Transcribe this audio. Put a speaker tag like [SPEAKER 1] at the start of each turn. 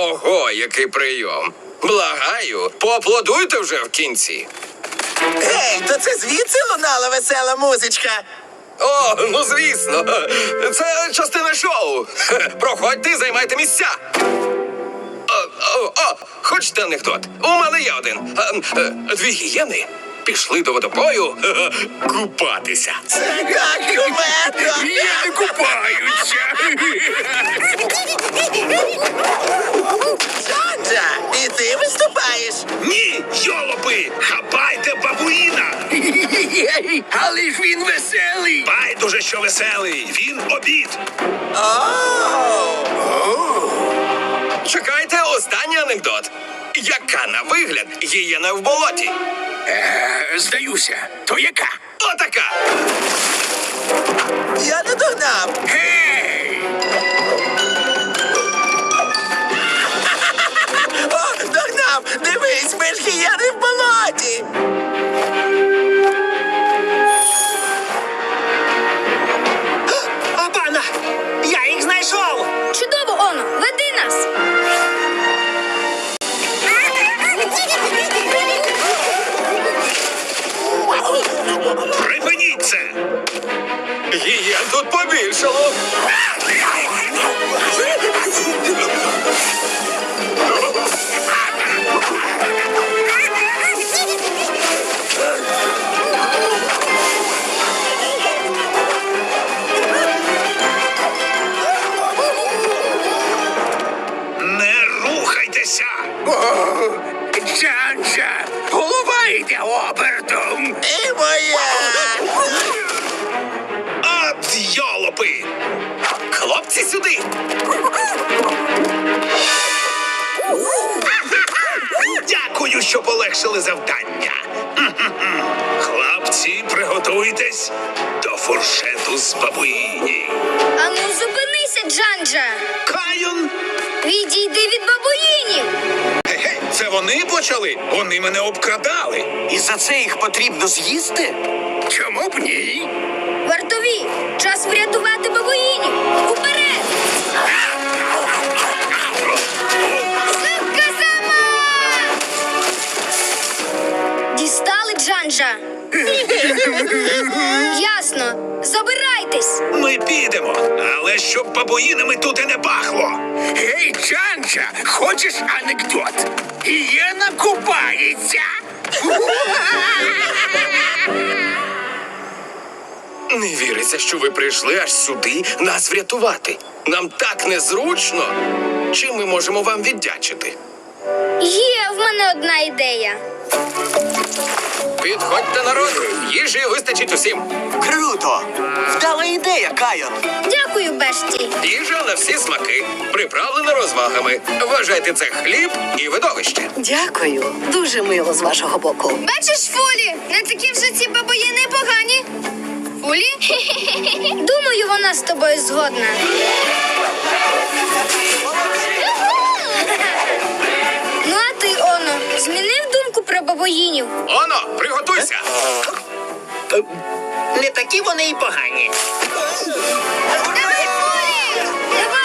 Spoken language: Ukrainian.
[SPEAKER 1] Ого, який прийом. Благаю, поаплодуйте вже в кінці.
[SPEAKER 2] Гей, то це звідси лунала весела музичка?
[SPEAKER 1] О, ну звісно. Це частина шоу. Проходьте і займайте місця. Хочете анекдот? У мене є один. Дві гієни пішли до водопою купатися.
[SPEAKER 2] Це так кумедно!
[SPEAKER 1] Гієни купаються.
[SPEAKER 2] Джорджа, і ти виступаєш?
[SPEAKER 1] Ні, йолопи, хапайте бабуїна.
[SPEAKER 3] Але ж він веселий.
[SPEAKER 1] Байдуже, що веселий. Він обід. Чекайте, останній анекдот. Яка на вигляд гієна в болоті?
[SPEAKER 3] Здаюся. То яка?
[SPEAKER 1] Отака.
[SPEAKER 2] Я не догнав.
[SPEAKER 3] Гей!
[SPEAKER 2] О, догнав! Дивись, ми ж гієни в болоті!
[SPEAKER 3] Обана! Я їх знайшов!
[SPEAKER 4] Чудово, Оно, веди нас!
[SPEAKER 1] Припиніть це. Гієн тут побільшало. Не рухайтеся.
[SPEAKER 3] Джанджа! Голова йде обертом!
[SPEAKER 2] І моя!
[SPEAKER 1] От йолопи. Хлопці, сюди. Дякую, що полегшили завдання. Хлопці, приготуйтесь до фуршету з бабуїні.
[SPEAKER 4] Ану, зупинися, Джанджа!
[SPEAKER 1] Кайон!
[SPEAKER 4] Відійди від бабуїнів!
[SPEAKER 1] Гей, це вони почали? Вони мене обкрадали.
[SPEAKER 3] І за це їх потрібно з'їсти? Чому б ні?
[SPEAKER 4] Вартові, час врятувати бабуїнів! Уперед! Сивка сама! Дістали, Джанджа? Ясно. Забирайтесь!
[SPEAKER 1] Ми підемо, але щоб бабуїнами тут і не пахло.
[SPEAKER 3] Гей, Джанджа, хочеш анекдот? Гієна купається!
[SPEAKER 1] Не віриться, що ви прийшли аж сюди нас врятувати. Нам так незручно. Чим ми можемо вам віддячити?
[SPEAKER 4] Є в мене одна ідея.
[SPEAKER 1] Підходьте, народ, їжі вистачить усім.
[SPEAKER 2] Круто! Вдала ідея, Кайон!
[SPEAKER 4] Дякую, Бешті.
[SPEAKER 1] Їжа на всі смаки, приправлена розвагами. Вважайте це хліб і видовище.
[SPEAKER 5] Дякую. Дуже мило з вашого боку.
[SPEAKER 4] Бачиш, Фулі, не такі вже ці бабоїни погані. Фулі? Думаю, вона з тобою згодна. Ну, а ти, Оно, змінив думку про бабоїнів?
[SPEAKER 1] Оно, приготуйся.
[SPEAKER 3] Не такі вони й погані.
[SPEAKER 4] Давай, Фулі! Давай!